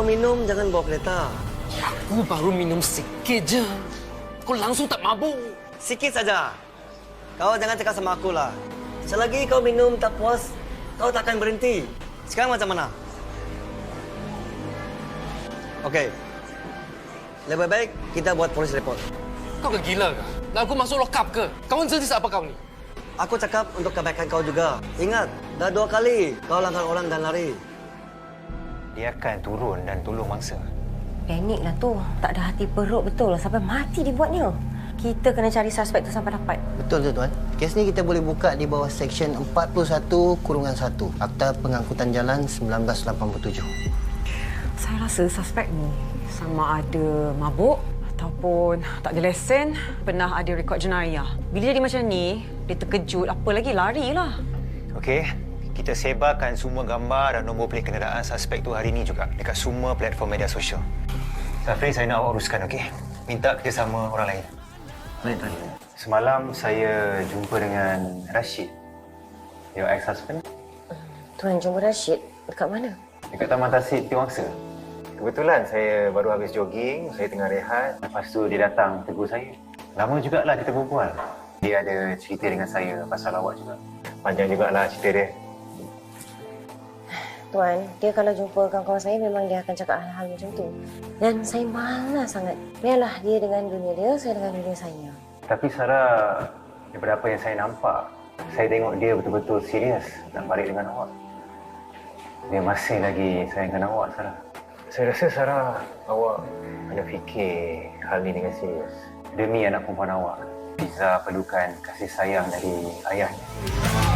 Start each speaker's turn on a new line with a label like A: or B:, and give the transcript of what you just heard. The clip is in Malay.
A: minum, jangan bawa kereta.
B: Aku baru minum sikit je. Kau langsung tak mabuk.
A: Sikit saja. Kau jangan cakap sama aku lah. Selagi kau minum tak puas, kau takkan berhenti. Sekarang macam mana? Okey. Lebih baik kita buat polis report.
B: Kau ke gila ke? Lalu aku masuk lokap ke? Kawan jenis apa kau ni?
A: Aku cakap untuk kebaikan kau juga. Ingat, dah 2 kali kau langgar orang dan lari.
C: Dia akan turun dan tolong mangsa.
D: Panik lah tu. Tak ada hati perut betul lah. Sampai mati dibuatnya. Kita kena cari suspek tu sampai dapat.
E: Betul tu tuan. Kes ni kita boleh buka di bawah Seksyen 41-1 Akta Pengangkutan Jalan 1987.
F: Saya rasa suspek ni sama ada mabuk ataupun tak ada lesen, pernah ada rekod jenayah. Bila jadi macam ni, dia terkejut, apa lagi larilah.
C: Okey, kita sebarkan semua gambar dan nombor pelik kenderaan suspek tu hari ini juga dekat semua platform media sosial. Safri, saya nak awak uruskan, okey? Minta kerjasama orang lain.
A: Baik, tuan.
C: Semalam saya jumpa dengan Rashid, your ex-husband,
D: Tuan jumpa Rashid dekat mana?
C: dekat Taman Tasik Tiwangsa. Kebetulan saya baru habis jogging, saya tengah rehat. Lepas tu dia datang tegur saya. Lama jugalah kita berbual. Dia ada cerita dengan saya pasal awak juga. Panjang jugalah cerita dia.
D: Tuan, dia kalau jumpa kawan-kawan saya memang dia akan cakap hal-hal macam tu. Dan saya malas sangat. Biarlah dia dengan dunia dia, saya dengan dunia saya.
C: Tapi Sarah, daripada apa yang saya nampak, saya tengok dia betul-betul serius nak balik dengan awak. Dia masih lagi sayangkan awak, Sarah. Saya rasa Sarah, awak kena fikir hal ni dengan serius. Demi anak perempuan awak, Fiza perlukan kasih sayang dari ayahnya.